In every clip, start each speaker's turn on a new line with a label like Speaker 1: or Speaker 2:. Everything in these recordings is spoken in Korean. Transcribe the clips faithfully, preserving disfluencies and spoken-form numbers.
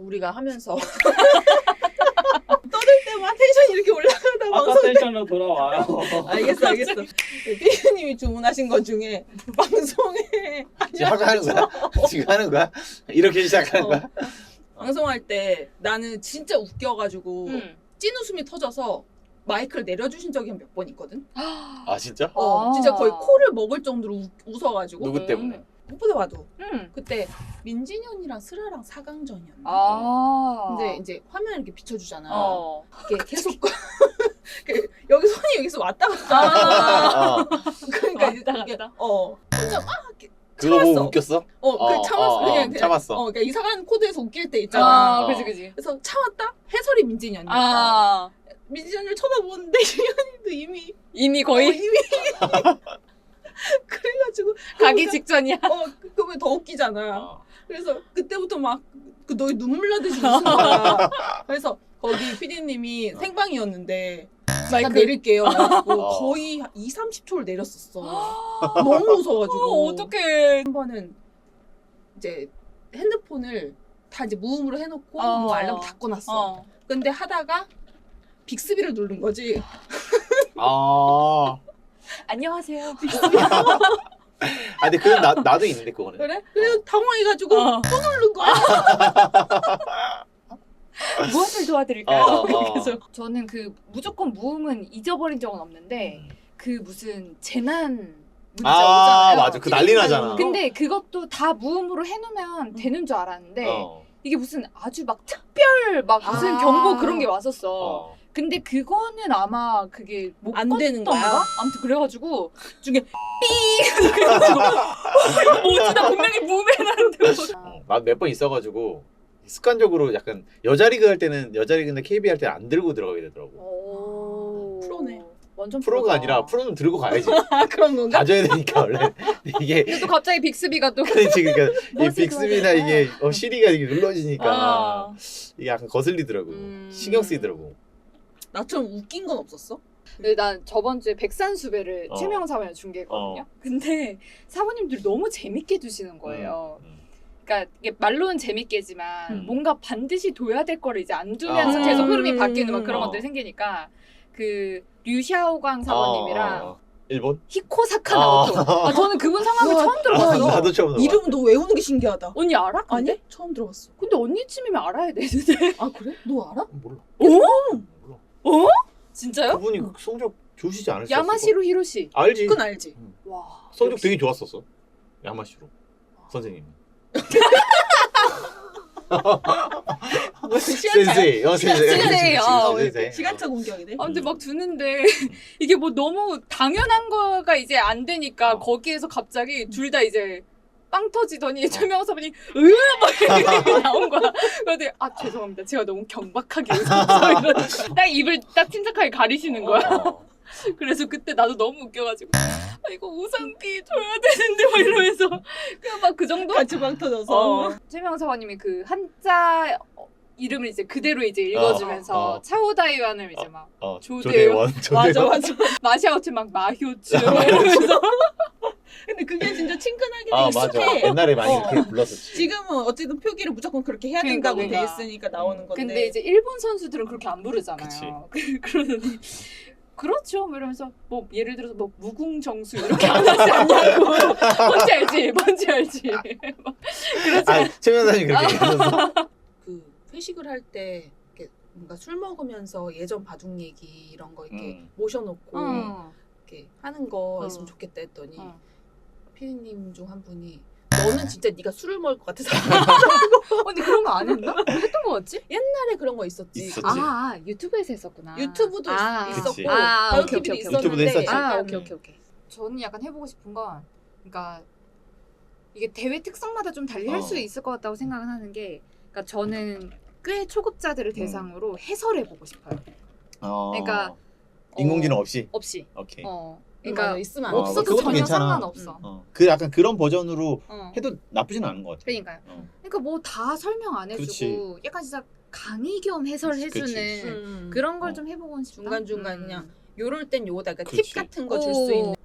Speaker 1: 우리가 하면서 떠들 때만 텐션이 이렇게 올라가다
Speaker 2: 아까
Speaker 1: 방송
Speaker 2: 텐션으로 돌아와요.
Speaker 1: 알겠어 알겠어. 피디님이 주문하신 것 중에 방송에
Speaker 3: 지금 하고 하는 거야? 지금 하는 거야? 이렇게 시작하는
Speaker 1: 어.
Speaker 3: 거야?
Speaker 1: 방송할 때 나는 진짜 웃겨가지고
Speaker 4: 응.
Speaker 1: 찐웃음이 터져서 마이크를 내려주신 적이 몇 번 있거든.
Speaker 3: 아 진짜?
Speaker 1: 어,
Speaker 4: 아.
Speaker 1: 진짜 거의 코를 먹을 정도로 우, 웃어가지고.
Speaker 3: 누구 때문에?
Speaker 1: 무엇보다 봐도
Speaker 4: 응.
Speaker 1: 그때 민진이 언니랑 슬아랑 사 강전이었나.
Speaker 4: 아.
Speaker 1: 근데 이제 화면 이렇게 비춰주잖아.
Speaker 4: 어.
Speaker 1: 이게 계속 그 여기 손이 여기서 왔다 갔다. 하잖아.
Speaker 3: 어.
Speaker 1: 그러니까 이제
Speaker 4: 왔다
Speaker 1: 이게,
Speaker 4: 갔다?
Speaker 1: 어. 혼자 막 이렇게
Speaker 3: 그거 보고
Speaker 1: 참았어.
Speaker 3: 웃겼어?
Speaker 1: 어, 그
Speaker 3: 어,
Speaker 1: 참았어.
Speaker 3: 어, 어,
Speaker 1: 그냥, 그냥
Speaker 3: 참았어.
Speaker 1: 어, 그러니까 이상한 코드에서 웃길 때 있잖아.
Speaker 4: 아,
Speaker 3: 어.
Speaker 4: 그지 그지.
Speaker 1: 그래서 참았다. 해설이 민진이 언니였다.
Speaker 4: 아.
Speaker 1: 민진이 언니를 쳐다보는데 민진이 언니도 이미
Speaker 4: 이미
Speaker 1: 어,
Speaker 4: 거의
Speaker 1: 이미 그래가지고
Speaker 4: 가기
Speaker 1: 그거보다-
Speaker 4: 직전이야.
Speaker 1: 어, 그- 그러면 더 웃기잖아.
Speaker 3: 어.
Speaker 1: 그래서 그때부터 막 그 너희 눈물 나듯이 웃는 거야. 그래서 거기 피디님이 생방이었는데 잠깐
Speaker 4: 마이크.
Speaker 1: 내릴게요. 그래가지고
Speaker 3: 어.
Speaker 1: 거의 이, 삼십 초를 내렸었어. 너무 무서워가지고.
Speaker 4: 어, 어떡해.
Speaker 1: 한 번은 이제 핸드폰을 다 이제 무음으로 해놓고
Speaker 4: 어.
Speaker 1: 뭐 알람 다 꺼놨어.
Speaker 4: 어.
Speaker 1: 근데 하다가 빅스비를 누른 거지.
Speaker 3: 아.
Speaker 4: 안녕하세요.
Speaker 3: 아 근데 그건 나, 나도 있는데 그거는.
Speaker 1: 그래? 그래서 당황해가지고
Speaker 4: 어.
Speaker 1: 또 누른 거야.
Speaker 4: 무엇을 도와드릴까요?
Speaker 3: 어, 어.
Speaker 4: 그래서 저는 그 무조건 무음은 잊어버린 적은 없는데 그 무슨 재난 문자
Speaker 3: 아
Speaker 4: 오잖아요.
Speaker 3: 맞아. 그 난리 나잖아.
Speaker 4: 근데 그것도 다 무음으로 해놓으면 되는 줄 알았는데
Speaker 3: 어.
Speaker 4: 이게 무슨 아주 막 특별 막 무슨
Speaker 1: 아.
Speaker 4: 경보 그런 게 왔었어.
Speaker 3: 어.
Speaker 4: 근데 그거는 아마 그게 못
Speaker 1: 안 되는
Speaker 4: 껐던가?
Speaker 1: 거야?
Speaker 4: 아무튼 그래가지고 중에 삐 그래가지고 뭐지 나 분명히 무음해놨는데 뭐.
Speaker 3: 난 몇 번 있어가지고 습관적으로 약간 여자리그 할 때는 여자리그인데 케이비알 할 때 안 들고 들어가게 되더라고.
Speaker 4: 오.
Speaker 1: 프로네.
Speaker 4: 완전
Speaker 3: 프로가
Speaker 4: 프로다.
Speaker 3: 아니라 프로는 들고 가야지.
Speaker 1: 아 그런 건가?
Speaker 3: 가져야 되니까 원래 이게
Speaker 4: 근데 또 갑자기 빅스비가 또
Speaker 3: 그렇지 그러니까 이
Speaker 4: 뭐지,
Speaker 3: 빅스비나
Speaker 4: 그거는?
Speaker 3: 이게 어, 시리가 이게 눌러지니까
Speaker 4: 아.
Speaker 3: 이게 약간 거슬리더라고.
Speaker 4: 음.
Speaker 3: 신경 쓰이더라고.
Speaker 1: 나처럼 웃긴 건 없었어?
Speaker 4: 근데 난 저번 주에 백산수배를
Speaker 3: 어.
Speaker 4: 최명 사원에 중계했거든요.
Speaker 3: 어.
Speaker 4: 근데 사모님들이 너무 재밌게 두시는 거예요.
Speaker 3: 음.
Speaker 4: 그러니까 이게 말로는 재밌게지만
Speaker 1: 음.
Speaker 4: 뭔가 반드시 둬야 될 거를 이제 안 두면서
Speaker 3: 어.
Speaker 4: 계속 흐름이 바뀌는 막 그런
Speaker 3: 어.
Speaker 4: 것들이 생기니까 그 류샤오광 사모님이랑
Speaker 3: 어. 일본?
Speaker 4: 히코사카
Speaker 3: 어.
Speaker 4: 나오토. 아 저는 그분 성함을
Speaker 1: 와,
Speaker 4: 처음
Speaker 3: 아,
Speaker 4: 들어봤어.
Speaker 3: 나도 처음 들어봐.
Speaker 1: 이름 너 외우는 게 신기하다.
Speaker 4: 언니 알아? 근데?
Speaker 1: 아니? 처음 들어봤어.
Speaker 4: 근데 언니쯤이면 알아야 되는데.
Speaker 1: 아 그래? 너 알아?
Speaker 3: 몰라.
Speaker 4: 어?
Speaker 3: 몰라.
Speaker 4: 어? 진짜요?
Speaker 3: 그분이 성적 좋으시지 않으셨어?
Speaker 4: 야마시로 히로시.
Speaker 3: 알지.
Speaker 1: 그건 알지.
Speaker 4: 와.
Speaker 3: 성적
Speaker 4: 역시.
Speaker 3: 되게 좋았었어. 야마시로 선생님.
Speaker 1: 뭐 시간차
Speaker 3: 센세이. 어, 센세이.
Speaker 4: 센세이, 어,
Speaker 3: 센세이.
Speaker 1: 시간차 공격이네.
Speaker 4: 아, 근데 막 두는데 이게 뭐 너무 당연한 거가 이제 안 되니까
Speaker 3: 어.
Speaker 4: 거기에서 갑자기 둘 다 이제 빵 터지더니 최명호 사부님 으막 이렇게 나온 거야. 그런데 아 죄송합니다. 제가 너무 경박하게 웃었어요. 이러면서 딱 입을 딱 침착하게 가리시는 거야.
Speaker 3: 어.
Speaker 4: 그래서 그때 나도 너무 웃겨가지고 아 이거 우산비 줘야 되는데 막 이러면서 그냥 막 그 정도?
Speaker 1: 같이 빵 터져서.
Speaker 4: 어. 최명호 사부님이 그 한자 이름을 이제 그대로 이제 읽어주면서
Speaker 3: 어, 어.
Speaker 4: 차오다이완을 이제 막
Speaker 3: 어,
Speaker 4: 조대원.
Speaker 3: 조대원.
Speaker 1: 맞아 맞아.
Speaker 4: 마샤오츠 막 마효츠 막 이러면서
Speaker 1: 근데 그게 진짜 친근하게
Speaker 3: 아
Speaker 1: 익숙해.
Speaker 3: 맞아. 옛날에 많이
Speaker 1: 어.
Speaker 3: 그렇게 불렀었지.
Speaker 1: 지금은 어쨌든 표기를 무조건 그렇게 해야
Speaker 4: 그러니까,
Speaker 1: 된다고 돼
Speaker 4: 그러니까.
Speaker 1: 있으니까 나오는 건데.
Speaker 4: 근데 이제 일본 선수들은 그렇게 안 부르잖아요. 그러더니 그렇죠. 뭐 이러면서 뭐 예를 들어서 뭐 무궁정수 이렇게 안 하지 않냐고. 뭔지 알지? 뭔지 알지? 막 그렇지.
Speaker 3: 아 최면사님 그렇게 얘기하셨어.
Speaker 1: 그 회식을 할 때 이렇게 뭔가 술 먹으면서 예전 바둑 얘기 이런 거 이렇게
Speaker 3: 음.
Speaker 1: 모셔놓고
Speaker 4: 어.
Speaker 1: 이렇게 하는 거
Speaker 4: 어.
Speaker 1: 있으면 좋겠다 했더니
Speaker 4: 어.
Speaker 1: 피디님 중 한 분이 너는 진짜 네가 술을 먹을 것 같아서
Speaker 4: 언니 그런 거 안 했나? 했던 거 같지?
Speaker 1: 옛날에 그런 거 있었지.
Speaker 3: 있었지.
Speaker 4: 아, 유튜브에서 했었구나.
Speaker 1: 유튜브도
Speaker 4: 아,
Speaker 1: 있-
Speaker 3: 그치.
Speaker 1: 있었고
Speaker 4: 아,
Speaker 1: 다른
Speaker 4: 오케이,
Speaker 1: 티비도
Speaker 4: 오케이, 오케이.
Speaker 1: 있었는데
Speaker 3: 유튜브도 했었지.
Speaker 4: 아,
Speaker 1: 약간
Speaker 4: 오케이, 오케이, 오케이. 저는 약간 해보고 싶은 건, 그러니까 이게 대회 특성마다 좀 달리 할
Speaker 3: 어.
Speaker 4: 수 있을 것 같다고 생각은 하는 게, 그러니까 저는 꽤 초급자들을 대상으로 해설해보고 싶어요.
Speaker 3: 어.
Speaker 4: 그러니까
Speaker 3: 인공지능
Speaker 4: 어,
Speaker 3: 없이.
Speaker 4: 없이.
Speaker 3: 오케이.
Speaker 4: 어.
Speaker 1: 그러니까
Speaker 4: 그러니까
Speaker 1: 있으면 안
Speaker 3: 어,
Speaker 1: 돼.
Speaker 4: 없어도
Speaker 3: 그것도
Speaker 4: 전혀
Speaker 3: 괜찮아.
Speaker 4: 상관없어.
Speaker 3: 어. 그 약간 그런 버전으로
Speaker 4: 어.
Speaker 3: 해도 나쁘진 않은 것 같아.
Speaker 4: 그러니까요.
Speaker 3: 어.
Speaker 4: 그러니까 뭐 다 설명 안 해주고
Speaker 3: 그치.
Speaker 4: 약간 진짜 강의 겸 해설해주는
Speaker 3: 그치.
Speaker 1: 음.
Speaker 4: 그런 걸
Speaker 3: 어.
Speaker 4: 좀 해보고 싶다.
Speaker 1: 중간중간
Speaker 4: 음.
Speaker 1: 그냥 요럴 땐 요거다. 그러니까 팁
Speaker 3: 그치.
Speaker 1: 같은 거 줄 수 있는.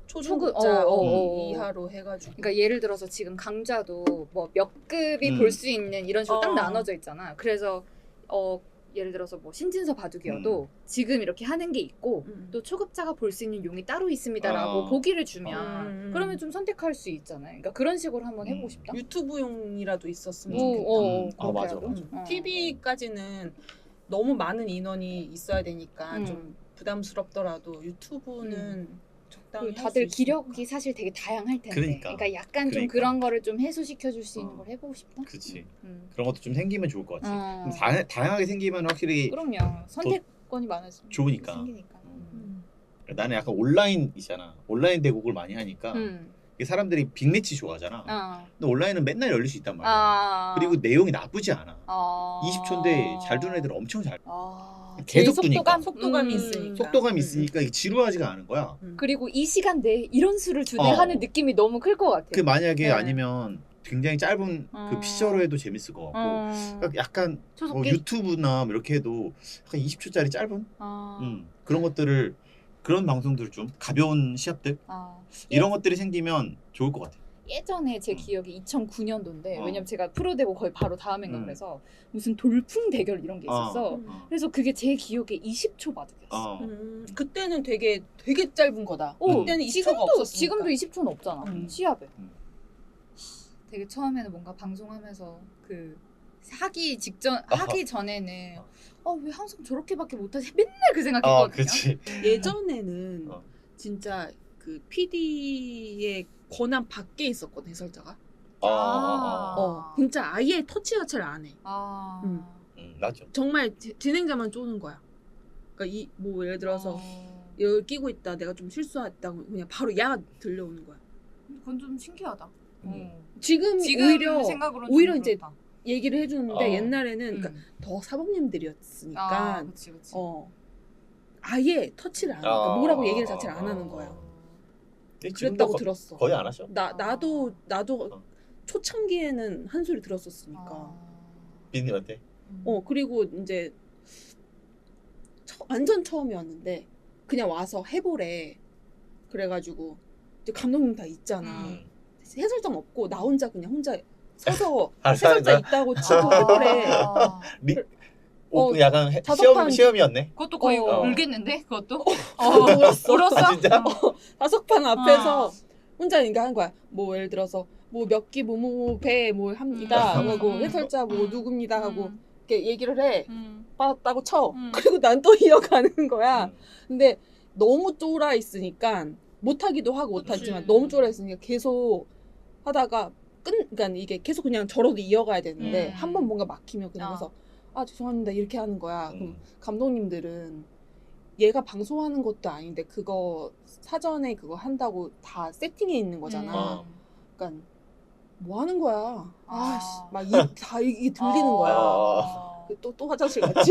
Speaker 1: 초중급자
Speaker 4: 어, 어, 어.
Speaker 1: 이하로 해가지고.
Speaker 4: 그러니까 예를 들어서 지금 강좌도 뭐 몇 급이
Speaker 3: 음.
Speaker 4: 볼 수 있는 이런 식으로
Speaker 1: 어.
Speaker 4: 딱 나눠져 있잖아. 그래서 어 예를 들어서 뭐 신진서 바둑이어도 지금 이렇게 하는 게 있고
Speaker 1: 음.
Speaker 4: 또 초급자가 볼 수 있는 용이 따로 있습니다라고
Speaker 3: 어.
Speaker 4: 보기를 주면
Speaker 1: 음.
Speaker 4: 그러면 좀 선택할 수 있잖아요. 그러니까 그런 식으로 한번 해보고
Speaker 3: 음.
Speaker 4: 싶다.
Speaker 1: 유튜브용이라도 있었으면
Speaker 4: 오,
Speaker 1: 좋겠다.
Speaker 4: 어,
Speaker 3: 음.
Speaker 4: 어,
Speaker 3: 아, 맞아,
Speaker 4: 그렇게
Speaker 3: 맞아.
Speaker 4: 하고. 어.
Speaker 1: 티비까지는 너무 많은 인원이 있어야 되니까
Speaker 4: 음.
Speaker 1: 좀 부담스럽더라도 유튜브는 적당히
Speaker 4: 그리고
Speaker 1: 할수
Speaker 4: 다들
Speaker 1: 있으니까.
Speaker 4: 기력이 사실 되게 다양할 텐데
Speaker 3: 그러니까.
Speaker 4: 약간 좀
Speaker 3: 그러니까.
Speaker 4: 그런 거를 좀 해소시켜 줄 수 있는
Speaker 3: 어.
Speaker 4: 걸 해보고 싶다.
Speaker 3: 그치.
Speaker 4: 음.
Speaker 3: 그런 것도 좀 생기면 좋을 것 같아.
Speaker 4: 어.
Speaker 3: 좀 다, 다양하게 생기면 확실히
Speaker 4: 그럼요. 선택권이 많아지면
Speaker 3: 좋으니까.
Speaker 4: 생기니까.
Speaker 3: 음.
Speaker 1: 음.
Speaker 3: 나는 약간 온라인 있잖아. 온라인 대국을 많이 하니까
Speaker 4: 음.
Speaker 3: 이게 사람들이 빅매치 좋아하잖아.
Speaker 4: 어.
Speaker 3: 근데 온라인은 맨날 열릴 수 있단 말이야.
Speaker 4: 아.
Speaker 3: 그리고 내용이 나쁘지 않아.
Speaker 4: 아.
Speaker 3: 이십 초인데 잘 두는 애들은 엄청 잘.
Speaker 4: 아.
Speaker 3: 계속
Speaker 4: 제일
Speaker 3: 두니까.
Speaker 4: 속도감?
Speaker 1: 속도감이
Speaker 4: 음.
Speaker 1: 있으니까.
Speaker 3: 속도감이
Speaker 1: 음.
Speaker 3: 있으니까 이게 지루하지가 않은 거야.
Speaker 1: 음.
Speaker 4: 그리고 이 시간대에 이런 수를 주네
Speaker 3: 어.
Speaker 4: 하는 느낌이 너무 클 것 같아.
Speaker 3: 그 만약에
Speaker 4: 네.
Speaker 3: 아니면 굉장히 짧은
Speaker 4: 어.
Speaker 3: 그 피처로 해도 재밌을 것 같고
Speaker 4: 어.
Speaker 3: 그러니까 약간 뭐
Speaker 4: 초속기.
Speaker 3: 유튜브나 뭐 이렇게 해도 약간 이십 초짜리 짧은
Speaker 4: 아.
Speaker 3: 음, 그런 것들을 그런 방송들 좀 가벼운 시합들
Speaker 4: 아.
Speaker 3: 이런 것들이 생기면 좋을 것 같아.
Speaker 4: 예전에 제
Speaker 3: 음.
Speaker 4: 기억이 이천구 년도인데
Speaker 3: 어.
Speaker 4: 왜냐면 제가 프로 되고 거의 바로 다음인가
Speaker 3: 음.
Speaker 4: 그래서 무슨 돌풍 대결 이런 게 있었어.
Speaker 1: 음.
Speaker 3: 어.
Speaker 4: 그래서 그게 제 기억에 이십 초 바둑이었어.
Speaker 3: 어.
Speaker 1: 음, 그때는 되게 되게 짧은 거다.
Speaker 4: 오,
Speaker 1: 그때는 이십 초가
Speaker 4: 지금도
Speaker 1: 없었으니까.
Speaker 4: 지금도 이십 초는 없잖아.
Speaker 1: 음.
Speaker 4: 시합에.
Speaker 3: 음.
Speaker 4: 되게 처음에는 뭔가 방송하면서 그 하기 직전 하기 전에는 어 왜 항상 저렇게밖에 못하지 맨날 그
Speaker 3: 아,
Speaker 4: 생각했거든요.
Speaker 3: 그렇지.
Speaker 1: 예전에는
Speaker 3: 어.
Speaker 1: 진짜 그 피디의 권한 밖에 있었거든 해설자가.
Speaker 3: 어, 어,
Speaker 4: 아.
Speaker 3: 어.
Speaker 1: 어, 진짜 아예 터치 자체를 안 해.
Speaker 4: 아.
Speaker 1: 음.
Speaker 3: 음, 맞죠.
Speaker 1: 정말 지- 진행자만 쪼는 거야. 그러니까 이 뭐 예를 들어서
Speaker 4: 어.
Speaker 1: 여기 끼고 있다, 내가 좀 실수했다고 그냥 바로 야 들려오는 거야.
Speaker 4: 그건 좀 신기하다.
Speaker 3: 음.
Speaker 1: 지금,
Speaker 4: 지금
Speaker 1: 오히려
Speaker 4: 생각으로는
Speaker 1: 오히려
Speaker 4: 좀
Speaker 1: 이제
Speaker 4: 그렇다.
Speaker 1: 얘기를 해주는데
Speaker 3: 어.
Speaker 1: 옛날에는
Speaker 4: 음.
Speaker 1: 그러니까 더 사범님들이었으니까
Speaker 4: 아, 그치, 그치.
Speaker 1: 어 아예 터치를 안 해. 그러니까
Speaker 3: 어.
Speaker 1: 뭐라고 얘기를 자체를 안 하는 거야.
Speaker 3: 근데 지금도
Speaker 1: 그랬다고
Speaker 3: 거-
Speaker 1: 들었어.
Speaker 3: 거의 안 하셔.
Speaker 1: 나 나도 나도
Speaker 3: 어.
Speaker 1: 초창기에는 한 소리 들었었으니까.
Speaker 4: 아.
Speaker 3: 비님한테.
Speaker 1: 어 그리고 이제 처- 완전 처음이었는데 그냥 와서 해보래. 그래가지고 이제 감독님 다 있잖아.
Speaker 3: 음.
Speaker 1: 해설장 없고 나 혼자 그냥 혼자 서서
Speaker 3: 알았어,
Speaker 1: 해설자
Speaker 3: 알았어.
Speaker 1: 있다고 치고 해보래.
Speaker 4: 아.
Speaker 3: 리,
Speaker 1: 어,
Speaker 3: 오, 약간 해-
Speaker 1: 다섯
Speaker 3: 시험
Speaker 1: 판-
Speaker 3: 시험이었네.
Speaker 4: 그것도 거의
Speaker 1: 어.
Speaker 4: 울겠는데 그것도?
Speaker 1: 어, 울었어.
Speaker 4: 울었어?
Speaker 3: 진짜?
Speaker 4: 어.
Speaker 1: 다섯 판 앞에서
Speaker 4: 어.
Speaker 1: 혼자 이거 한 거야. 뭐 예를 들어서 뭐 몇 기 뭐뭐 배뭐 합니다
Speaker 4: 음.
Speaker 1: 하고
Speaker 4: 음.
Speaker 1: 해설자 뭐
Speaker 4: 음.
Speaker 1: 누굽니다 하고
Speaker 4: 음.
Speaker 1: 이렇게 얘기를 해.
Speaker 4: 음.
Speaker 1: 빠졌다고 쳐.
Speaker 4: 음.
Speaker 1: 그리고 난 또 이어가는 거야.
Speaker 3: 음.
Speaker 1: 근데 너무 쫄아 있으니까 못하기도 하고 못하지만
Speaker 4: 그치.
Speaker 1: 너무 쫄아 있으니까 계속 하다가 끝 그러니까 이게 계속 그냥 저러도 이어가야 되는데
Speaker 4: 음.
Speaker 1: 한 번 뭔가 막히면 그냥
Speaker 4: 어.
Speaker 1: 가서 아 죄송합니다 이렇게 하는 거야. 그럼
Speaker 3: 음.
Speaker 1: 감독님들은 얘가 방송하는 것도 아닌데 그거 사전에 그거 한다고 다 세팅해 있는 거잖아.
Speaker 3: 어.
Speaker 1: 그러니까 뭐 하는 거야.
Speaker 4: 아.
Speaker 1: 아씨 막이다 이게 들리는 거야.
Speaker 3: 아.
Speaker 1: 또또 또 화장실 갔지.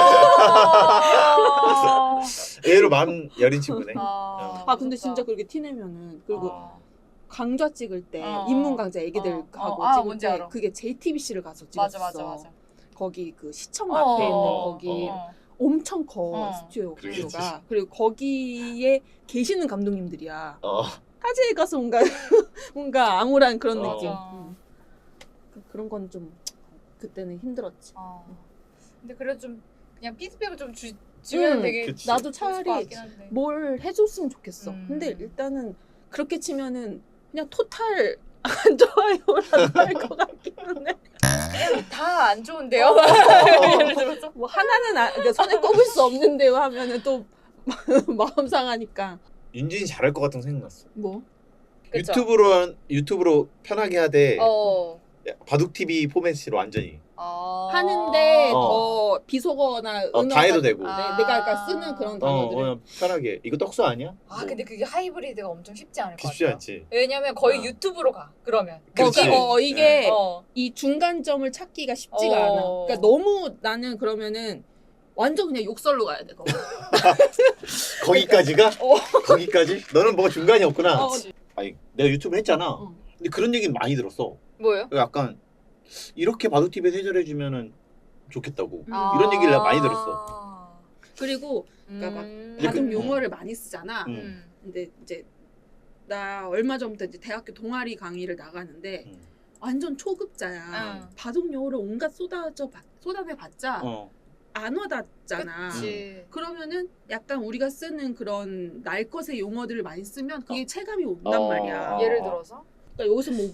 Speaker 4: 아.
Speaker 3: 의외로 마음 여린 친구네.
Speaker 4: 아,
Speaker 1: 아 근데
Speaker 4: 무섭다.
Speaker 1: 진짜 그렇게 티내면은 그리고
Speaker 4: 아.
Speaker 1: 강좌 찍을 때
Speaker 4: 어.
Speaker 1: 인문 강좌 애기들
Speaker 4: 어.
Speaker 1: 하고
Speaker 4: 어. 아,
Speaker 1: 찍을
Speaker 4: 뭔지
Speaker 1: 때
Speaker 4: 알아.
Speaker 1: 그게 제이티비씨를 가서 찍었어.
Speaker 4: 맞아 맞아 맞아.
Speaker 1: 거기 그 시청
Speaker 4: 어.
Speaker 1: 앞에 있는
Speaker 3: 어.
Speaker 1: 거기
Speaker 4: 어.
Speaker 1: 엄청 커
Speaker 4: 어.
Speaker 1: 스튜디오가.
Speaker 3: 그러겠지.
Speaker 1: 그리고 거기에 계시는 감독님들이야.
Speaker 3: 어.
Speaker 1: 타지에 가서 뭔가 뭔가 암울한 그런
Speaker 3: 어.
Speaker 1: 느낌.
Speaker 4: 맞아.
Speaker 1: 음. 그- 그런 건 좀 그때는 힘들었지.
Speaker 4: 아. 근데 그래도 좀 그냥 피드백을 좀 주, 주면
Speaker 1: 음,
Speaker 4: 되게
Speaker 3: 그치.
Speaker 1: 나도
Speaker 4: 좋을 것
Speaker 1: 차라리
Speaker 4: 같긴 한데.
Speaker 1: 뭘 해줬으면 좋겠어.
Speaker 4: 음.
Speaker 1: 근데 일단은 그렇게 치면은 그냥 토탈 안 좋아요라고 할 것 같기는 해.
Speaker 4: 다 안 좋은데요? 예를 들어서
Speaker 1: 뭐 하나는 아, 그러니까 손에 꼽을 수 없는데요 하면은 또 마음 상하니까.
Speaker 3: 윤진이 잘할 것 같은 생각 났어.
Speaker 1: 뭐?
Speaker 4: 그쵸?
Speaker 3: 유튜브로 한- 유튜브로 편하게 하되
Speaker 4: 어.
Speaker 3: 바둑 티비 포맷으로 완전히.
Speaker 4: 아.
Speaker 1: 하는데
Speaker 3: 어.
Speaker 1: 더 비속어나
Speaker 3: 어,
Speaker 1: 은어가
Speaker 3: 다 해도 되고.
Speaker 1: 네,
Speaker 4: 아.
Speaker 1: 내가 아까 쓰는 그런
Speaker 3: 어,
Speaker 1: 단어들을
Speaker 3: 어, 편하게. 이거 떡수 아니야?
Speaker 4: 아 근데 그게 하이브리드가 엄청 쉽지 않을 것
Speaker 3: 쉽지
Speaker 4: 같아요.
Speaker 3: 않지.
Speaker 4: 왜냐면 거의
Speaker 3: 어.
Speaker 4: 유튜브로 가. 그러면.
Speaker 3: 그렇지.
Speaker 1: 어, 어, 이게
Speaker 4: 어.
Speaker 1: 이 중간점을 찾기가 쉽지가
Speaker 4: 어.
Speaker 1: 않아. 그러니까 너무 나는 그러면은 완전 그냥 욕설로 가야 돼. 거기.
Speaker 3: 거기까지가?
Speaker 1: 어.
Speaker 3: 거기까지? 너는 뭐가 중간이 없구나.
Speaker 1: 어.
Speaker 3: 아니, 내가 유튜브 했잖아.
Speaker 1: 어.
Speaker 3: 근데 그런 얘기 많이 들었어.
Speaker 4: 뭐요?
Speaker 3: 약간 이렇게 바둑 티비에서 해설해 주면은 좋겠다고.
Speaker 1: 음.
Speaker 3: 이런 얘기를 내가 많이 들었어.
Speaker 1: 그리고 그러니까 막
Speaker 4: 음.
Speaker 3: 이제
Speaker 1: 바둑
Speaker 3: 그-
Speaker 1: 용어를 많이 쓰잖아.
Speaker 3: 음.
Speaker 4: 음.
Speaker 1: 근데 이제 나 얼마 전부터 이제 대학교 동아리 강의를 나가는데
Speaker 3: 음.
Speaker 1: 완전 초급자야.
Speaker 4: 응.
Speaker 1: 바둑 용어를 온갖 쏟아져 봤- 쏟아내봤자
Speaker 3: 어.
Speaker 1: 안 와닿잖아.
Speaker 4: 그치.
Speaker 1: 그러면은 약간 우리가 쓰는 그런 날 것의 용어들을 많이 쓰면 그게 체감이 온단
Speaker 3: 어.
Speaker 1: 말이야.
Speaker 3: 어.
Speaker 4: 예를 들어서
Speaker 1: 그러니까 여기서 뭐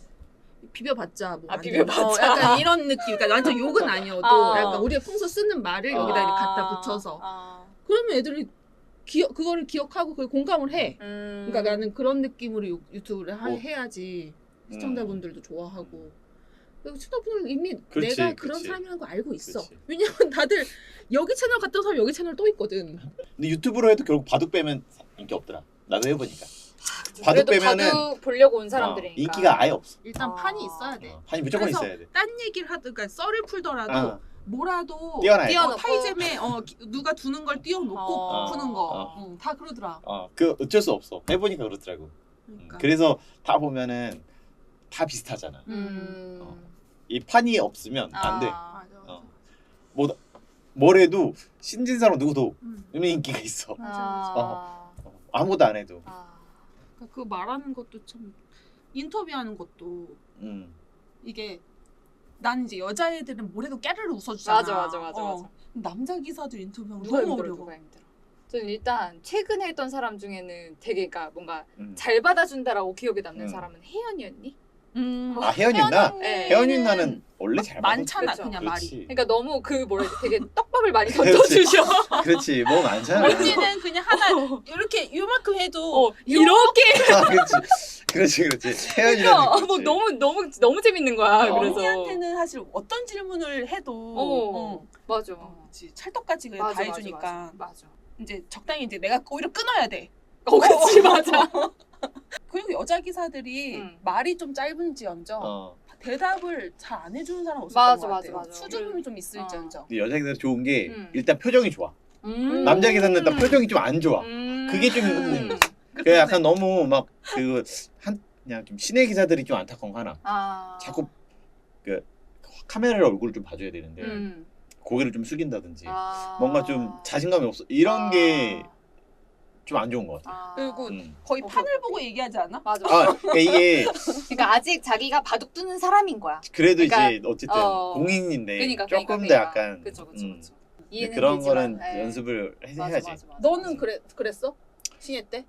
Speaker 1: 비벼봤자 뭐
Speaker 4: 아,
Speaker 1: 안
Speaker 4: 비벼봤자.
Speaker 1: 돼. 어, 약간 이런 느낌. 그러니까 완전 욕은 아니어도
Speaker 4: 어.
Speaker 1: 약간 우리가 평소 쓰는 말을
Speaker 3: 어.
Speaker 1: 여기다 이렇게
Speaker 4: 아.
Speaker 1: 갖다 붙여서
Speaker 4: 아.
Speaker 1: 그러면 애들이 기억 그거를 기억하고 그걸 공감을 해.
Speaker 4: 음.
Speaker 1: 그러니까 나는 그런 느낌으로 유- 유튜브를 하,
Speaker 3: 어.
Speaker 1: 해야지
Speaker 3: 음.
Speaker 1: 시청자분들도 좋아하고. 그리고 시청자분들 이미
Speaker 3: 그렇지,
Speaker 1: 내가 그런
Speaker 3: 그렇지.
Speaker 1: 사람이라는 거 알고 있어.
Speaker 3: 그렇지.
Speaker 1: 왜냐면 다들 여기 채널 갔던 사람 여기 채널 또 있거든.
Speaker 3: 근데 유튜브로 해도 결국 바둑 빼면 인기 없더라. 나도 해보니까. 바둑
Speaker 4: 그래도
Speaker 3: 빼면은
Speaker 4: 바둑 보려고 온
Speaker 3: 어,
Speaker 4: 사람들이니까
Speaker 3: 인기가 아예 없어.
Speaker 1: 일단
Speaker 4: 아.
Speaker 1: 판이 있어야 돼.
Speaker 3: 어, 판이 무조건
Speaker 1: 그래서
Speaker 3: 있어야 돼.
Speaker 1: 딴 얘기를 하든 그러니까 썰을 풀더라도
Speaker 3: 어.
Speaker 1: 뭐라도
Speaker 3: 띄워놔야 돼.
Speaker 1: 어,
Speaker 4: 띄워놓고.
Speaker 1: 타이잼에 어, 기- 누가 두는 걸 띄워놓고
Speaker 4: 어.
Speaker 1: 푸는 거.
Speaker 3: 어.
Speaker 1: 응, 다 그러더라.
Speaker 3: 어, 그 어쩔 수 없어. 해보니까 그렇더라고. 음,
Speaker 1: 그러니까.
Speaker 3: 그래서 다 보면은 다 비슷하잖아.
Speaker 4: 음.
Speaker 3: 어. 이 판이 없으면 안 돼.
Speaker 4: 아.
Speaker 1: 맞아. 맞아.
Speaker 3: 어. 뭐 뭐래도 신진사로 누구도
Speaker 1: 음.
Speaker 3: 이미 인기가 있어.
Speaker 1: 맞아,
Speaker 4: 아.
Speaker 3: 어, 아무것도 안 해도.
Speaker 4: 아.
Speaker 1: 그러니까 그 말하는 것도 참 인터뷰하는 것도
Speaker 3: 음.
Speaker 1: 이게 난 이제 여자애들은 뭘 해도 깨르르 웃어주잖아.
Speaker 4: 맞아 맞아 맞아
Speaker 1: 어.
Speaker 4: 맞아.
Speaker 1: 남자 기사들 인터뷰하면
Speaker 4: 누가
Speaker 1: 너무
Speaker 4: 힘들어
Speaker 1: 어려워.
Speaker 4: 누가 힘들어. 저는 일단 최근에 했던 사람 중에는 되게 그러니까 뭔가
Speaker 3: 음.
Speaker 4: 잘 받아준다라고 기억에 남는
Speaker 3: 음.
Speaker 4: 사람은 혜연이었니?
Speaker 1: 음.
Speaker 3: 아 혜연이 나
Speaker 4: 네.
Speaker 3: 혜연이 나는 원래 잘 받아.
Speaker 1: 많잖아
Speaker 4: 그쵸.
Speaker 1: 그냥 말이.
Speaker 3: 그렇지.
Speaker 4: 그러니까 너무 그 뭐라 해야 돼? 되게 떡밥을 많이
Speaker 3: 그렇지.
Speaker 4: 던져주셔.
Speaker 3: 그렇지. 뭐 많잖아.
Speaker 1: 언니는 그냥 하나 이렇게 요만큼 해도
Speaker 4: 어, 이렇게
Speaker 3: 아, 그렇지. 그렇지, 그렇지. 혜연이라는
Speaker 4: 그러니까 뭐 너무 너무 너무 재밌는 거야.
Speaker 1: 어,
Speaker 4: 그래서
Speaker 1: 언니한테는 사실 어떤 질문을 해도
Speaker 4: 어,
Speaker 1: 어,
Speaker 4: 맞아.
Speaker 1: 어, 그치. 찰떡같이 그냥
Speaker 4: 맞아,
Speaker 1: 다
Speaker 4: 맞아,
Speaker 1: 해주니까
Speaker 4: 맞아, 맞아.
Speaker 1: 이제 적당히 이제 내가 오히려 끊어야 돼.
Speaker 4: 어, 그치 맞아.
Speaker 1: 그리고 여자 기사들이
Speaker 4: 음.
Speaker 1: 말이 좀 짧은지언정
Speaker 3: 어.
Speaker 1: 대답을 잘 안 해주는 사람 없었던
Speaker 4: 맞아,
Speaker 1: 것
Speaker 4: 맞아,
Speaker 1: 같아요.
Speaker 4: 맞아.
Speaker 1: 수줍음이 좀 있을지언정.
Speaker 3: 근데 여자 기사 좋은 게
Speaker 4: 음.
Speaker 3: 일단 표정이 좋아.
Speaker 4: 음.
Speaker 3: 남자 기사는 일단 표정이 좀 안 좋아.
Speaker 4: 음.
Speaker 3: 그게 좀 음.
Speaker 1: 그래서
Speaker 3: 그 약간 너무 막 그 한 그냥 좀 신의 기사들이 좀 안타까운 거 하나.
Speaker 4: 아.
Speaker 3: 자꾸 그 카메라를 얼굴을 좀 봐줘야 되는데
Speaker 4: 음.
Speaker 3: 고개를 좀 숙인다든지
Speaker 4: 아.
Speaker 3: 뭔가 좀 자신감이 없어. 이런 게 좀 안 좋은 것 같아.
Speaker 4: 아.
Speaker 1: 그리고
Speaker 3: 음.
Speaker 1: 거의
Speaker 4: 어,
Speaker 1: 판을
Speaker 4: 그렇구나.
Speaker 1: 보고 얘기하지 않아?
Speaker 4: 맞아.
Speaker 3: 아 그러니까 이게
Speaker 4: 그러니까 아직 자기가 바둑 두는 사람인 거야.
Speaker 3: 그래도
Speaker 4: 그러니까,
Speaker 3: 이제 어쨌든
Speaker 4: 어.
Speaker 3: 공인인데
Speaker 4: 그러니까
Speaker 3: 조금
Speaker 4: 그러니까,
Speaker 3: 더
Speaker 4: 그러니까.
Speaker 3: 약간
Speaker 4: 그쵸 그쵸
Speaker 3: 음,
Speaker 4: 그쵸.
Speaker 3: 근데
Speaker 4: 이해는
Speaker 3: 그런
Speaker 4: 되지만,
Speaker 3: 거는
Speaker 4: 예.
Speaker 3: 연습을 해,
Speaker 4: 맞아,
Speaker 3: 해야지.
Speaker 4: 맞아, 맞아.
Speaker 1: 너는 그래 그랬어? 신예 때?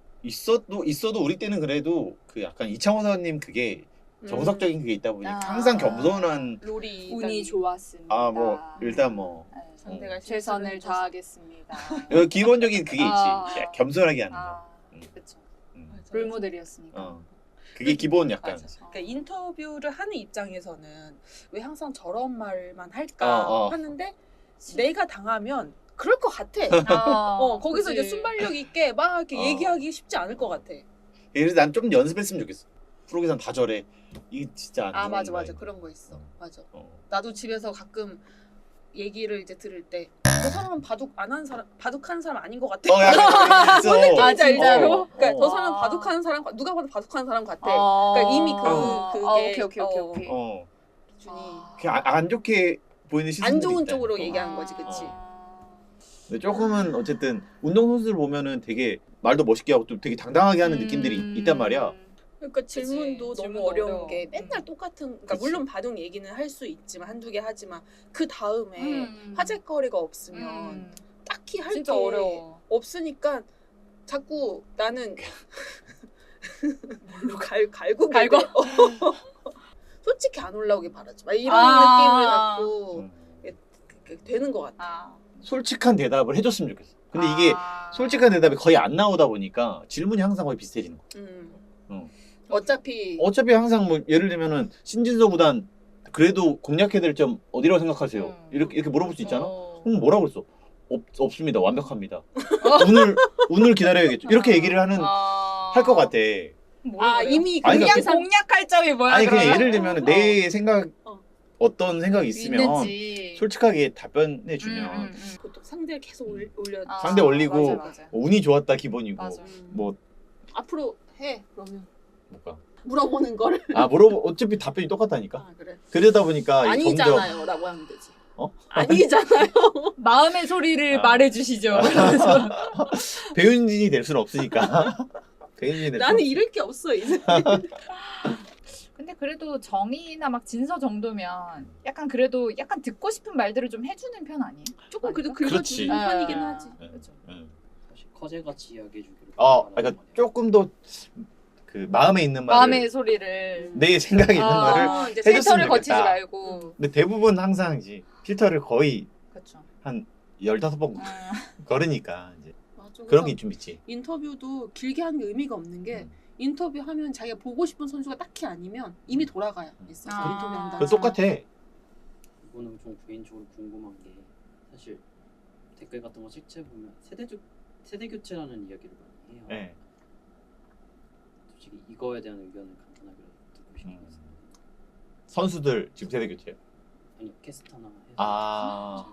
Speaker 3: 있어도 있어도 우리 때는 그래도 그 약간 이창호 선생님 그게
Speaker 1: 음.
Speaker 3: 정석적인 그게 있다 보니
Speaker 4: 아.
Speaker 3: 항상 겸손한
Speaker 1: 롤이
Speaker 4: 운이 좋았습니다.
Speaker 3: 아 뭐 일단 뭐
Speaker 4: 네.
Speaker 1: 상대가
Speaker 4: 최선을
Speaker 1: 실수를 해줘서.
Speaker 4: 다하겠습니다.
Speaker 3: 여기 기본적인 그게
Speaker 4: 아.
Speaker 3: 있지. 야, 겸손하게 하는 거.
Speaker 4: 아,
Speaker 3: 음.
Speaker 4: 그렇죠.
Speaker 3: 음.
Speaker 1: 맞아.
Speaker 4: 롤모델이었으니까.
Speaker 3: 어. 그게 기본 약간.
Speaker 1: 맞아. 그러니까 인터뷰를 하는 입장에서는 왜 항상 저런 말만 할까
Speaker 3: 어, 어.
Speaker 1: 하는데 내가 당하면 그럴 것 같아.
Speaker 4: 아,
Speaker 1: 어 거기서
Speaker 4: 그치.
Speaker 1: 이제 순발력 있게 막 이렇게
Speaker 3: 어.
Speaker 1: 얘기하기 쉽지 않을 것 같아.
Speaker 3: 그래서 난 좀 연습했으면 좋겠어. 프로기산 다 저래. 이게 진짜 안
Speaker 1: 아
Speaker 3: 좋은
Speaker 1: 맞아
Speaker 3: 거야.
Speaker 1: 맞아 그런 거 있어. 맞아.
Speaker 3: 어.
Speaker 1: 나도 집에서 가끔 얘기를 이제 들을 때 저 사람은 바둑 안 한 사람 바둑하는 사람 아닌 것 같아.
Speaker 3: 어 약간 있어.
Speaker 1: 뭔 느낌인지
Speaker 4: 맞아, 진짜로?
Speaker 3: 어,
Speaker 1: 그러니까
Speaker 3: 어.
Speaker 1: 저 사람
Speaker 4: 아.
Speaker 1: 바둑하는 사람 누가 봐도 바둑하는 사람 같아.
Speaker 4: 아.
Speaker 1: 그러니까 이미 그
Speaker 3: 어.
Speaker 1: 그게
Speaker 4: 아, 오케이 오케이 오케이
Speaker 1: 어,
Speaker 4: 오케이.
Speaker 3: 어.
Speaker 1: 기준이
Speaker 3: 그냥 안, 안 좋게 보이는 시선들이
Speaker 1: 안 좋은
Speaker 3: 있다.
Speaker 1: 쪽으로
Speaker 3: 어.
Speaker 1: 얘기하는 거지, 그치?
Speaker 4: 아.
Speaker 3: 근데 조금은 어쨌든 운동 선수들 보면은 되게 말도 멋있게 하고 또 되게 당당하게 하는
Speaker 4: 음.
Speaker 3: 느낌들이 있단 말이야.
Speaker 1: 그러니까 질문도 너무
Speaker 4: 질문도
Speaker 1: 어려운
Speaker 4: 어려워.
Speaker 1: 게 맨날
Speaker 4: 음.
Speaker 1: 똑같은 그러니까
Speaker 3: 그치.
Speaker 1: 물론 바둑 얘기는 할 수 있지만 한두 개 하지만 그 다음에
Speaker 4: 음.
Speaker 1: 화제거리가 없으면
Speaker 4: 음.
Speaker 1: 딱히 할 게
Speaker 4: 진짜 어려워.
Speaker 1: 없으니까 자꾸 나는 뭘로 갈 갈고
Speaker 4: 갈고?
Speaker 1: 솔직히 안 올라오길 바라지 막 이런
Speaker 4: 아.
Speaker 1: 느낌을 갖고
Speaker 3: 음.
Speaker 1: 그- 되는 것 같아.
Speaker 4: 아.
Speaker 3: 솔직한 대답을 해줬으면 좋겠어. 근데 이게
Speaker 4: 아.
Speaker 3: 솔직한 대답이 거의 안 나오다 보니까 질문이 항상 거의 비슷해지는 거야.
Speaker 1: 음.
Speaker 3: 어.
Speaker 1: 어차피
Speaker 3: 어차피 항상 뭐 예를 들면은 신진서 구단 그래도 공략해야 될 점 어디라고 생각하세요?
Speaker 4: 음.
Speaker 3: 이렇게 이렇게 물어볼 수 있잖아.
Speaker 1: 어.
Speaker 3: 그럼 뭐라고 그랬어? 없, 없습니다. 완벽합니다. 운을 운을 기다려야겠죠. 이렇게 얘기를 하는
Speaker 4: 아.
Speaker 3: 할 것 같아.
Speaker 1: 아 이미
Speaker 3: 아니,
Speaker 1: 공략
Speaker 3: 그러니까
Speaker 1: 상
Speaker 4: 공략할 점이 뭐야?
Speaker 3: 아니 그냥
Speaker 4: 그러면?
Speaker 3: 예를 들면 내 생각
Speaker 1: 어.
Speaker 3: 어떤 생각이 있으면
Speaker 4: 있는지.
Speaker 3: 솔직하게 답변해 주면
Speaker 4: 음, 음, 음.
Speaker 1: 보통 상대를 계속 올- 올려
Speaker 4: 아,
Speaker 3: 상대 올리고
Speaker 4: 맞아, 맞아.
Speaker 3: 뭐 운이 좋았다 기본이고
Speaker 4: 맞아.
Speaker 3: 뭐
Speaker 1: 앞으로 해 그러면
Speaker 3: 뭐가
Speaker 1: 물어보는 거를
Speaker 3: 아 물어보 어차피 답변이 똑같다니까.
Speaker 1: 아 그래
Speaker 3: 그러다 보니까 이게 점점
Speaker 1: 아니잖아요 라고 하면 되지.
Speaker 3: 어?
Speaker 1: 아니잖아요.
Speaker 4: 마음의 소리를
Speaker 3: 아.
Speaker 4: 말해주시죠.
Speaker 3: 배윤진이 될 수는 없으니까. 개인진에
Speaker 1: 나는 잃을 게 없어 이제.
Speaker 4: 근데 그래도 정의나 막 진서 정도면 약간 그래도 약간 듣고 싶은 말들을 좀 해주는 편 아니에요?
Speaker 1: 조금 그래도
Speaker 4: 아닌가?
Speaker 3: 그렇지.
Speaker 1: 긁어주는
Speaker 4: 아,
Speaker 1: 편이긴 하지.
Speaker 3: 네.
Speaker 4: 그렇죠.
Speaker 3: 응.
Speaker 2: 사실 커제같이 이야기해주기를.
Speaker 3: 어, 그러니까 조금 더 그 마음에 있는 말을
Speaker 4: 마음의 소리를
Speaker 3: 내 생각에 있는
Speaker 4: 아,
Speaker 3: 거를
Speaker 1: 어, 이제
Speaker 3: 해줬으면
Speaker 4: 필터를 거치지
Speaker 3: 좋겠다.
Speaker 4: 말고
Speaker 3: 근데 대부분 항상 이제 필터를 거의
Speaker 4: 그렇죠.
Speaker 3: 한 열다섯 번
Speaker 4: 아,
Speaker 3: 걸으니까 이제
Speaker 1: 맞아.
Speaker 3: 그런
Speaker 1: 그래서
Speaker 3: 게 좀 있지.
Speaker 1: 인터뷰도 길게 하는 게 의미가 없는 게
Speaker 3: 음.
Speaker 1: 인터뷰하면 자기가 보고 싶은 선수가 딱히 아니면 이미 돌아가야 있어서
Speaker 4: 아.
Speaker 1: 인터뷰한다.
Speaker 3: 그 똑같아.
Speaker 2: 이거는 좀 개인적으로 궁금한 게 사실 댓글 같은 거 책체 보면 세대 교 세대 교체라는 이야기를 많이 해요.
Speaker 3: 네.
Speaker 2: 솔직히 이거에 대한 의견을 간단하게 듣고 싶어요.
Speaker 3: 음. 선수들 지금 세대 교체요.
Speaker 2: 아니 캐스터나 해서
Speaker 3: 아.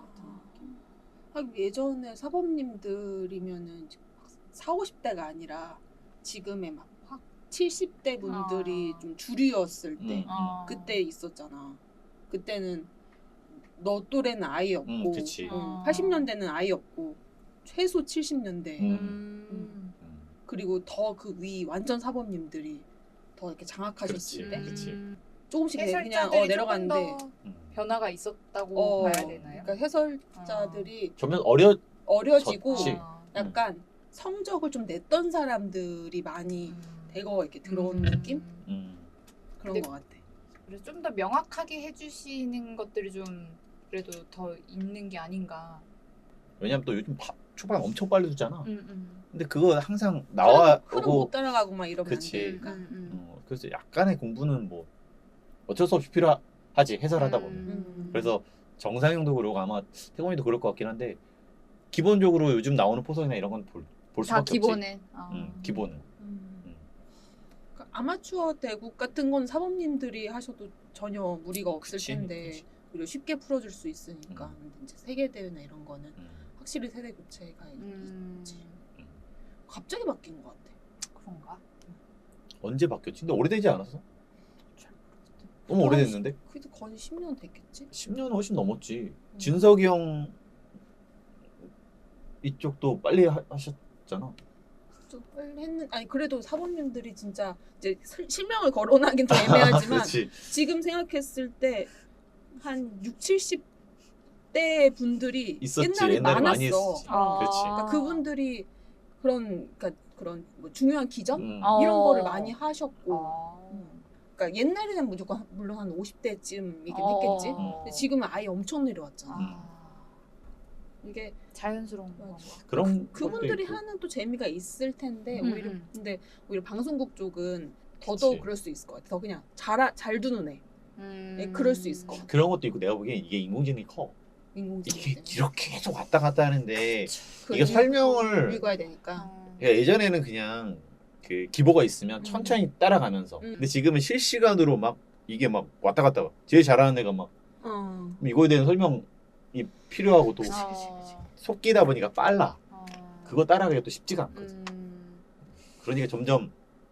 Speaker 1: 하긴 예전에 사범님들이면은 사오십 대가 아니라 지금의 막 확 칠십 대 분들이
Speaker 4: 아.
Speaker 1: 좀 주류였을 때
Speaker 3: 음.
Speaker 4: 어.
Speaker 1: 그때 있었잖아. 그때는 너 또래는 아예 없고
Speaker 3: 음, 그치.
Speaker 1: 어,
Speaker 4: 아.
Speaker 1: 팔십 년대는 아예 없고 최소 칠십 년대
Speaker 3: 음.
Speaker 4: 음.
Speaker 3: 음.
Speaker 1: 그리고 더 그 위 완전 사범님들이 더 이렇게 장악하셨을
Speaker 3: 그렇지.
Speaker 1: 때
Speaker 3: 그치.
Speaker 4: 음.
Speaker 1: 조금씩 그냥
Speaker 4: 해설자들이
Speaker 1: 어, 내려갔는데
Speaker 4: 조금 더
Speaker 3: 음.
Speaker 4: 변화가 있었다고
Speaker 1: 어,
Speaker 4: 봐야 되나요?
Speaker 1: 그러니까 해설자들이
Speaker 3: 점점 어려.
Speaker 1: 어려지고
Speaker 3: 졌지.
Speaker 1: 약간 성적을 좀 냈던 사람들이 많이
Speaker 4: 음.
Speaker 1: 대거 이렇게 들어온
Speaker 4: 음.
Speaker 1: 느낌
Speaker 3: 음.
Speaker 1: 그런
Speaker 4: 근데-
Speaker 1: 것 같아.
Speaker 4: 그래서 좀 더 명확하게 해주시는 것들이 좀 그래도 더 있는 게 아닌가.
Speaker 3: 왜냐면 또 요즘 파, 초반 엄청 빨리 주잖아.
Speaker 4: 음, 음.
Speaker 3: 근데 그거 항상 나와
Speaker 1: 흐름
Speaker 3: 오고
Speaker 1: 못 따라가고 막 이러면
Speaker 3: 그치.
Speaker 1: 안 되니까.
Speaker 4: 음, 음.
Speaker 3: 어, 그래서 약간의 공부는 뭐 어쩔 수 없이 필요하지 해설하다 보면.
Speaker 1: 음.
Speaker 3: 그래서 정상형도 그러고 아마 태권이도 그럴 것 같긴 한데 기본적으로 요즘 나오는 포석이나 이런 건 볼 볼
Speaker 4: 다
Speaker 3: 수밖에 없지.
Speaker 4: 기본은. 어.
Speaker 3: 음, 기본은.
Speaker 1: 음.
Speaker 3: 음.
Speaker 1: 그러니까 아마추어 대국 같은 건 사범님들이 하셔도 전혀 무리가 없을
Speaker 3: 그치,
Speaker 1: 텐데
Speaker 3: 그치.
Speaker 1: 오히려 쉽게 풀어줄 수 있으니까
Speaker 3: 음.
Speaker 1: 근데 이제 세계 대회나 이런 거는
Speaker 3: 음.
Speaker 1: 확실히 세대 교체가
Speaker 4: 음.
Speaker 1: 있지. 갑자기 바뀐 것 같아.
Speaker 4: 그런가?
Speaker 3: 언제 바뀌었지? 근데 오래되지 않았어? 너무
Speaker 1: 아,
Speaker 3: 오래됐는데?
Speaker 1: 그래도 거의 십 년 됐겠지.
Speaker 3: 십 년 훨씬 넘었지.
Speaker 1: 음.
Speaker 3: 진석이 형 이쪽도 빨리 하, 하셨잖아.
Speaker 1: 좀 빨리 했는 아니 그래도 사범님들이 진짜 이제 실- 실명을 거론하긴 좀 애매하지만
Speaker 3: 그렇지.
Speaker 1: 지금 생각했을 때 한 육, 칠십 대 분들이
Speaker 3: 있었지.
Speaker 1: 옛날에,
Speaker 3: 옛날에
Speaker 1: 많았어.
Speaker 3: 많이 했었지.
Speaker 1: 어.
Speaker 3: 그렇지.
Speaker 1: 그러니까 그분들이 그런 그러니까 그런 뭐 중요한 기점
Speaker 3: 음.
Speaker 4: 어.
Speaker 1: 이런 거를 많이 하셨고
Speaker 4: 어.
Speaker 1: 음. 그러니까 옛날에는 무조건 물론 한 오십 대쯤이긴
Speaker 4: 어.
Speaker 1: 했겠지.
Speaker 3: 음.
Speaker 1: 근데 지금은 아예 엄청 내려왔잖아.
Speaker 4: 아.
Speaker 1: 이게
Speaker 4: 자연스러운 거.
Speaker 1: 맞아.
Speaker 3: 그런
Speaker 1: 그, 그분들이
Speaker 3: 것도 있고.
Speaker 1: 하는 또 재미가 있을 텐데
Speaker 4: 음,
Speaker 1: 오히려
Speaker 4: 음.
Speaker 1: 근데 오히려 방송국 쪽은 더더욱
Speaker 3: 그치.
Speaker 1: 그럴 수 있을 것 같아. 더 그냥 잘, 잘 두는 애.
Speaker 4: 음.
Speaker 1: 네, 그럴 수 있을 것 같아.
Speaker 3: 그런 것도 있고 내가 보기엔 이게 인공지능이 커.
Speaker 1: 인공지능
Speaker 3: 이게
Speaker 1: 때문에.
Speaker 3: 이렇게 계속 왔다 갔다 하는데
Speaker 1: 그
Speaker 3: 이게
Speaker 1: 일-
Speaker 3: 설명을
Speaker 1: 읽어야 되니까.
Speaker 4: 어.
Speaker 3: 그러니까 예전에는 그냥 그 기보가 있으면
Speaker 1: 음.
Speaker 3: 천천히 따라가면서
Speaker 1: 음.
Speaker 3: 근데 지금은 실시간으로 막 이게 막 왔다 갔다 와. 제일 잘하는 애가 막
Speaker 1: 어.
Speaker 3: 이거에 대한 설명이 필요하고 또
Speaker 4: 어.
Speaker 3: 속기다 보니까 빨라.
Speaker 4: 어.
Speaker 3: 그거 따라가기가 또 쉽지가 않거든.
Speaker 4: 음.
Speaker 3: 그러니까 점점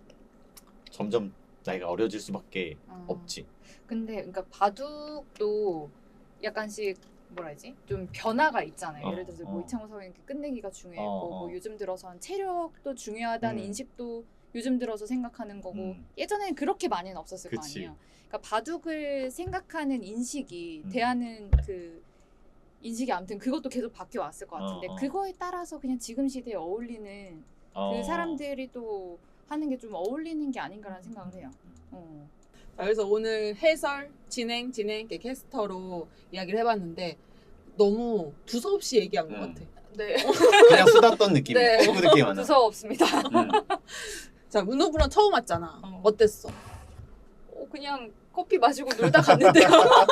Speaker 3: 점점 나이가 어려질 수밖에
Speaker 4: 어.
Speaker 3: 없지.
Speaker 4: 근데 그러니까 바둑도 약간씩 뭐라 해야지? 좀 변화가 있잖아요.
Speaker 3: 어,
Speaker 4: 예를 들어서
Speaker 3: 어.
Speaker 4: 뭐 이창호 선수님 끝내기가 중요했고
Speaker 3: 어, 어.
Speaker 4: 뭐 요즘 들어선 체력도 중요하다는
Speaker 3: 음.
Speaker 4: 인식도 요즘 들어서 생각하는 거고
Speaker 3: 음.
Speaker 4: 예전에는 그렇게 많이는 없었을
Speaker 3: 그치.
Speaker 4: 거 아니에요. 그러니까 바둑을 생각하는 인식이
Speaker 3: 음.
Speaker 4: 대하는 그 인식이 아무튼 그것도 계속 바뀌어 왔을 것 같은데
Speaker 3: 어, 어.
Speaker 4: 그거에 따라서 그냥 지금 시대에 어울리는
Speaker 3: 어.
Speaker 4: 그 사람들이 또 하는 게 좀 어울리는 게 아닌가라는 생각을 해요. 어.
Speaker 1: 자, 그래서 오늘 해설, 진행, 진행, 이렇게 캐스터로 이야기를 해봤는데 너무 두서없이 얘기한 것
Speaker 3: 음.
Speaker 1: 같아.
Speaker 4: 네.
Speaker 3: 그냥 수다 떤 느낌.
Speaker 1: 네.
Speaker 3: 친구들끼리 만나.
Speaker 4: 두서없습니다.
Speaker 3: 음.
Speaker 1: 자, 문호부랑 처음 왔잖아.
Speaker 4: 어.
Speaker 1: 어땠어?
Speaker 4: 어, 그냥 커피 마시고 놀다 갔는데요.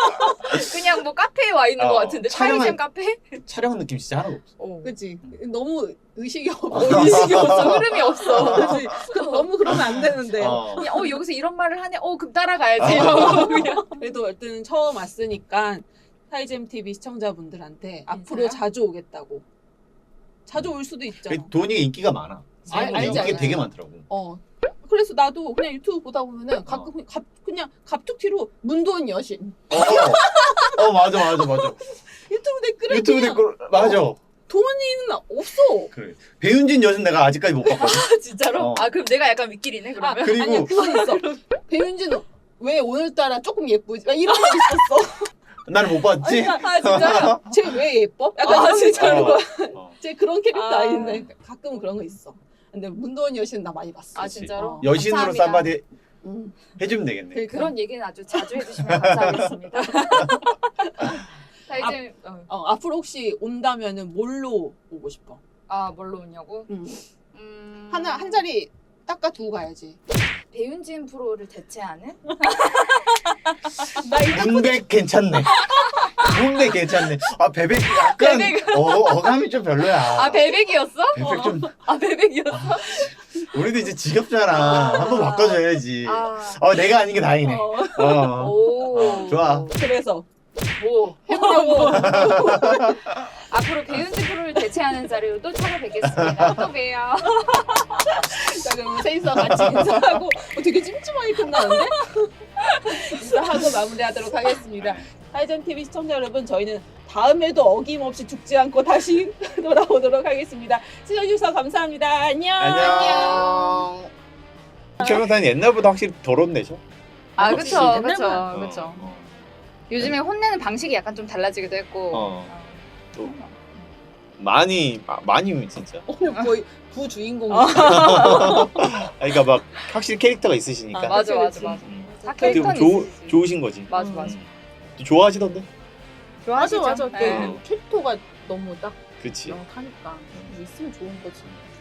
Speaker 4: 그냥 뭐 카페에 와 있는
Speaker 3: 어,
Speaker 4: 것 같은데
Speaker 3: 촬영한-
Speaker 4: 차이점 카페?
Speaker 3: 촬영 느낌 진짜 하나도 없어.
Speaker 4: 어.
Speaker 1: 그치? 너무 의식이 없어.
Speaker 4: 의식이 없어. 흐름이 없어.
Speaker 1: 그치? 그, 너무 그러면 안 되는데.
Speaker 3: 어.
Speaker 4: 그냥 어 여기서 이런 말을 하네. 어 그럼 따라가야지. 이러고 그냥.
Speaker 1: 그래도 어쨌든 처음 왔으니까 사이잼 티비 시청자분들한테 앞으로 자주 오겠다고. 자주 올 수도 있죠.
Speaker 3: 그 돈이 인기가 많아.
Speaker 1: 알- 알지,
Speaker 3: 인기가
Speaker 1: 알지.
Speaker 3: 되게 많더라고.
Speaker 1: 어. 그래서 나도 그냥 유튜브 보다 보면은 가끔 그냥 갑, 그냥 갑툭튀로 문도원 여신
Speaker 3: 어, 어 맞아 맞아 맞아.
Speaker 1: 유튜브 댓글에
Speaker 3: 유튜브
Speaker 1: 그냥
Speaker 3: 댓글 맞아.
Speaker 1: 돈이는 없어.
Speaker 3: 그래. 배윤진 여신 내가 아직까지 못 봤거든.
Speaker 4: 아, 진짜로?
Speaker 3: 어.
Speaker 4: 아 그럼 내가 약간 윗길이네
Speaker 1: 아,
Speaker 4: 그러면.
Speaker 3: 그리고-
Speaker 1: 아니야 그건 있어. 배윤진은 왜 오늘따라 조금 예쁘지? 막 이런 거 있었어.
Speaker 3: 나는 못 봤지.
Speaker 1: 아 진짜요? 쟤 왜 예뻐? 약간
Speaker 4: 아,
Speaker 1: 이런 거
Speaker 4: 진짜로?
Speaker 1: 있잖아.
Speaker 3: 어.
Speaker 1: 쟤 그런 캐릭터
Speaker 4: 아.
Speaker 1: 아. 닌데 가끔은 그런 거 있어. 근데 문도원 여신 나 많이 봤어.
Speaker 4: 아
Speaker 3: 그치.
Speaker 4: 진짜로?
Speaker 1: 어.
Speaker 3: 여신으로
Speaker 4: 감사합니다.
Speaker 3: 쌈바디
Speaker 1: 음.
Speaker 3: 해주면 되겠네.
Speaker 1: 그러니까.
Speaker 4: 그런 얘기는 아주 자주 해주시면 감사하겠습니다. 자 이제 어.
Speaker 1: 어, 앞으로 혹시 온다면은 뭘로 오고 싶어?
Speaker 4: 아 뭘로 오냐고?
Speaker 1: 음.
Speaker 4: 음...
Speaker 1: 하나 한 자리 닦아 두고 가야지.
Speaker 4: 배윤진 프로를 대체하는?
Speaker 1: 나 이거
Speaker 3: 문백 괜찮네. 문백 괜찮네. 아 베백 약간
Speaker 4: 베백.
Speaker 3: 어, 어감이 좀 별로야.
Speaker 4: 아 베백이었어?
Speaker 3: 베백 좀
Speaker 4: 아 베백이었어?
Speaker 3: 우리도 이제 지겹잖아. 한번 바꿔줘야지.
Speaker 4: 아.
Speaker 3: 어 내가 아닌 게 다행이네.
Speaker 1: 어,
Speaker 3: 어.
Speaker 4: 오.
Speaker 3: 좋아.
Speaker 1: 그래서
Speaker 4: 뭐
Speaker 1: 해보려고.
Speaker 4: 앞으로 배윤진 프로를 대체하는 자리로 또 찾아뵙겠습니다. 또 봬요.
Speaker 1: 자 그럼 셋이서 같이 인사하고 어, 되게 찜찜하게 끝나는데? 인사하고 마무리하도록 하겠습니다. 하이젠 티비 시청자 여러분 저희는 다음에도 어김없이 죽지 않고 다시 돌아오도록 하겠습니다. 시청해주셔서 감사합니다. 안녕.
Speaker 3: 안녕. 최명타는 옛날보다 확실히 덜 혼내죠?
Speaker 4: 아
Speaker 1: 그치,
Speaker 4: 그쵸
Speaker 1: 옛날만.
Speaker 4: 그쵸
Speaker 3: 어,
Speaker 4: 그쵸.
Speaker 3: 어.
Speaker 4: 요즘에 혼내는 방식이 약간 좀 달라지기도 했고.
Speaker 3: 어. 또 많이 마- 많이 진짜.
Speaker 1: 오늘 거의 부주인공.
Speaker 3: 아, 그러니까 막 확실히 캐릭터가 있으시니까.
Speaker 1: 아,
Speaker 4: 맞아
Speaker 1: 그치,
Speaker 4: 맞아
Speaker 1: 그치.
Speaker 4: 맞아.
Speaker 3: 음.
Speaker 4: 다
Speaker 3: 어떻게 보면
Speaker 4: 캐릭터는
Speaker 3: 좋
Speaker 4: 있으시지.
Speaker 3: 좋으신 거지.
Speaker 4: 맞아
Speaker 1: 음.
Speaker 4: 맞아.
Speaker 3: 또 좋아하시던데?
Speaker 1: 맞아
Speaker 4: 좋아하시죠?
Speaker 1: 맞아.
Speaker 4: 네.
Speaker 1: 그 캐릭터가 너무 딱
Speaker 3: 그치.
Speaker 1: 명확하니까 있으면 좋은 거지.